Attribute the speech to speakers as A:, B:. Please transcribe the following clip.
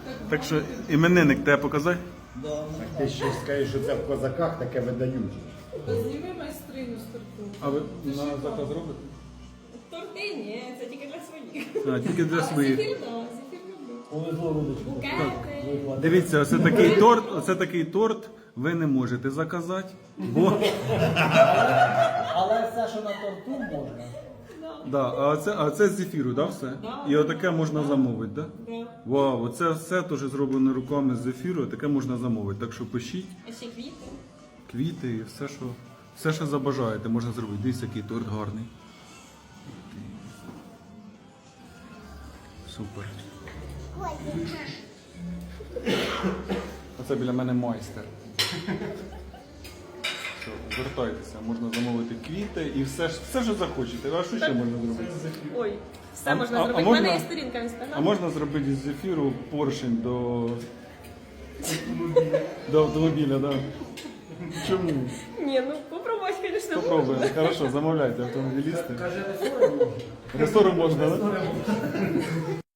A: Так що іменинник тебе показати?
B: Ти ще скажеш, що це в козаках таке видають.
C: Зніми майстриню з торту.
A: А ви на заказ робите?
C: Торти ні, це тільки для своїх.
A: А, тільки для своїх.
C: Зефір, да, зефір люблю.
B: Повезло Рудочку.
C: Букети.
A: Дивіться, оце такий торт ви не можете заказати, бо
B: Але все, що на торту можна.
A: да, а це з зефіру, да, все? І отаке можна замовити, да?
C: Да.
A: Вау, оце все теж зроблено руками з зефіру, таке можна замовити. Так що пишіть,
C: А ще квіти.
A: квіти і все, що забажаєте, можна зробити. Дивіться, який торт гарний. Супер. Оце біля мене майстер. Що, звертайтеся, можна замовити квіти і все, що захочете. А що ще можна зробити?
C: Ой, все
A: А-
C: можна
A: а
C: зробити. У
A: можна-
C: мене є сторінка в інстаграмі.
A: А можна зробити з зефіру поршень до автомобіля, да? Чому?
C: Ні, ну попробуй, звісно.
A: Попробуємо. Хорошо, замовляйте автомобілісти. Ресору можна, да?